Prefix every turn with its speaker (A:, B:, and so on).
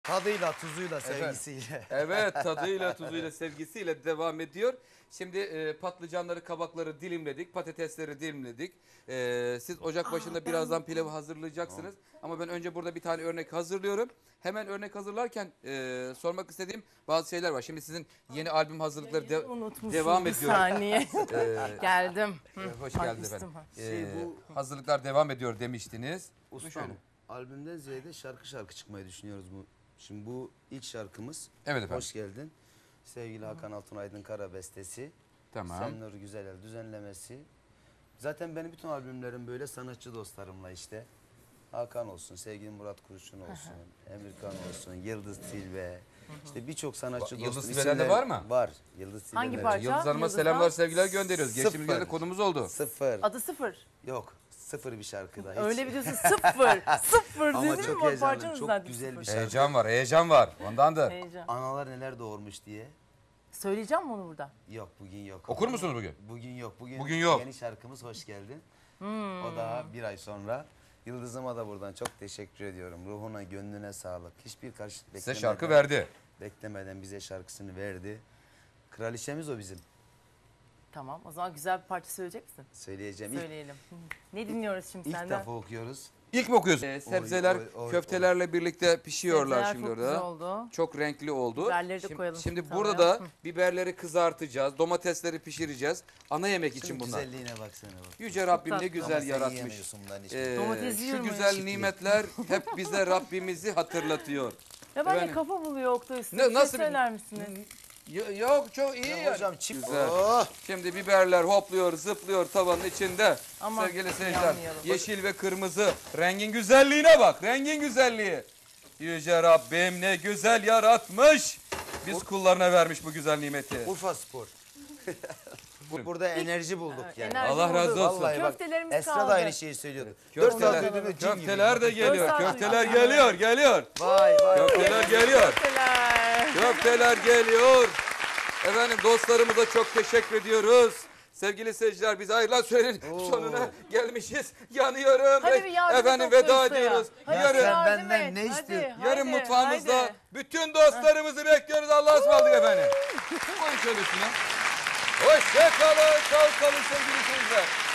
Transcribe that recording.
A: Tadıyla, tuzuyla, sevgisiyle.
B: Evet, tadıyla, tuzuyla, sevgisiyle devam ediyor. Şimdi patlıcanları, kabakları dilimledik, patatesleri dilimledik. Siz ocak başında birazdan pilavı hazırlayacaksınız. Ama ben önce burada bir tane örnek hazırlıyorum. Hemen örnek hazırlarken sormak istediğim bazı şeyler var. Şimdi sizin yeni albüm hazırlıkları devam ediyor.
C: Bir saniye. Geldim.
B: Hoş geldiniz efendim.
A: Bu
B: Hazırlıklar devam ediyor demiştiniz.
A: ustam, albümden ziyade şarkı çıkmayı düşünüyoruz bu. Şimdi bu ilk şarkımız.
B: Evet efendim.
A: Hoş geldin. Sevgili Hakan Altunaydın Kara bestesi.
B: Tamam.
A: Senur Güzelel düzenlemesi. Zaten benim bütün albümlerim böyle sanatçı dostlarımla işte. Hakan olsun, sevgili Murat Kurşun olsun, Emirkan olsun, Yıldız Tilbe. İşte birçok sanatçı
B: Yıldız
A: dostum.
B: Tilbe'den de var mı?
A: Var. Yıldız Tilbe'den.
C: Hangi parça?
B: Yıldız Hanım'a
C: Yıldız'dan?
B: selamlar, sevgiler gönderiyoruz. Geçtiğimiz
A: Sıfır.
B: günde konumuz oldu.
A: Sıfır.
C: Adı sıfır.
A: Yok. Sıfır bir şarkıda. Hiç.
C: Öyle bir diyorsun sıfır. Sıfır
A: Ama
C: dedim
A: çok
C: mi?
A: heyecanlı,
C: Parçanın
A: çok
C: zaten
A: güzel bir
C: sıfır.
A: şarkı.
B: Heyecan var, heyecan var. Ondandır.
C: Heyecan.
A: Analar neler doğurmuş diye.
C: Söyleyeceğim mi onu burada?
A: Yok bugün yok.
B: Okur musunuz bugün?
A: Bugün yok.
B: Bugün yok.
A: Yeni şarkımız Hoş Geldin. O da bir ay sonra. Yıldız'ıma da buradan çok teşekkür ediyorum. Ruhuna, gönlüne sağlık. Hiçbir karşılık
B: Size
A: beklemeden.
B: şarkı verdi.
A: Beklemeden bize şarkısını verdi. Kraliçemiz o bizim.
C: Tamam. O zaman güzel bir parça söyleyecek misin?
A: Söyleyeceğim.
C: Söyleyelim. Ne dinliyoruz şimdi
A: İlk
C: senden?
A: defa okuyoruz.
B: İlk mi okuyorsun? Sebzeler
A: oy,
B: köftelerle birlikte pişiyorlar
C: Sebzeler
B: şimdi
C: çok güzel
B: orada.
C: oldu.
B: Çok renkli oldu.
C: Biberleri de koyalım
B: Şimdi
C: şimdi
B: burada
C: tavaya.
B: da biberleri kızartacağız, domatesleri pişireceğiz. Ana yemek için
A: Şunun
B: bunlar.
A: güzelliğine baksana bak.
B: Yüce Rabbim ne
C: tatlı.
B: güzel
A: Ama sen
B: yaratmış.
A: yiyemiyorsun bundan hiç.
C: Domates
B: Şu
C: yiyorum
B: güzel
C: ya.
B: nimetler hep bize Rabbimizi hatırlatıyor.
C: Ya ben de
B: Efendim?
C: kafa buluyor Oktay. Siz
B: Ne- nasıl bir-
C: söyler misiniz?
B: Yok çok iyi
A: Ya
B: yani.
A: hocam çift.
B: Güzel.
A: Oh!
B: Şimdi biberler hopluyor, zıplıyor tavanın içinde.
C: Aman,
B: Sevgili seyirciler,
C: yanmayalım.
B: yeşil ve kırmızı rengin güzelliğine bak, rengin güzelliği. Yüce Rabbim ne güzel yaratmış. Biz kullarına vermiş bu güzel nimeti.
A: Urfa Spor. Burada enerji bulduk yani.
C: Enerji
B: Allah razı
C: bulduk.
B: olsun.
A: Vallahi bak,
C: Köftelerimiz
A: Esra
C: kaldı.
A: da aynı şeyi söylüyordu. 4 saat
B: Köfteler,
A: uyuduğunda cin gibi.
B: köfteler de geliyor,
C: saat
B: köfteler
C: uyudum.
B: geliyor.
A: Vay vay.
B: Köfteler geliyor.
C: Köfteler.
B: Köfteler geliyor. Efendim dostlarımıza çok teşekkür ediyoruz. Sevgili seyirciler biz ayrılan sürenin sonuna gelmişiz. Yanıyorum.
C: Hadi bir yardım
B: Efendim
C: Oktay
B: veda
C: Usta'ya.
B: ediyoruz.
C: Hadi
A: Ya
B: Yarın,
A: sen
C: yardım
A: benden
C: et.
A: ne
C: Hadi,
A: istiyorsun?
B: yarın
C: haydi,
B: mutfağımızda
C: haydi.
B: bütün dostlarımızı bekliyoruz. Allah'a ısmarladık efendim. Koy şöyle üstüne. Hoşça kalın. Sağ kalın sevgili seyirciler.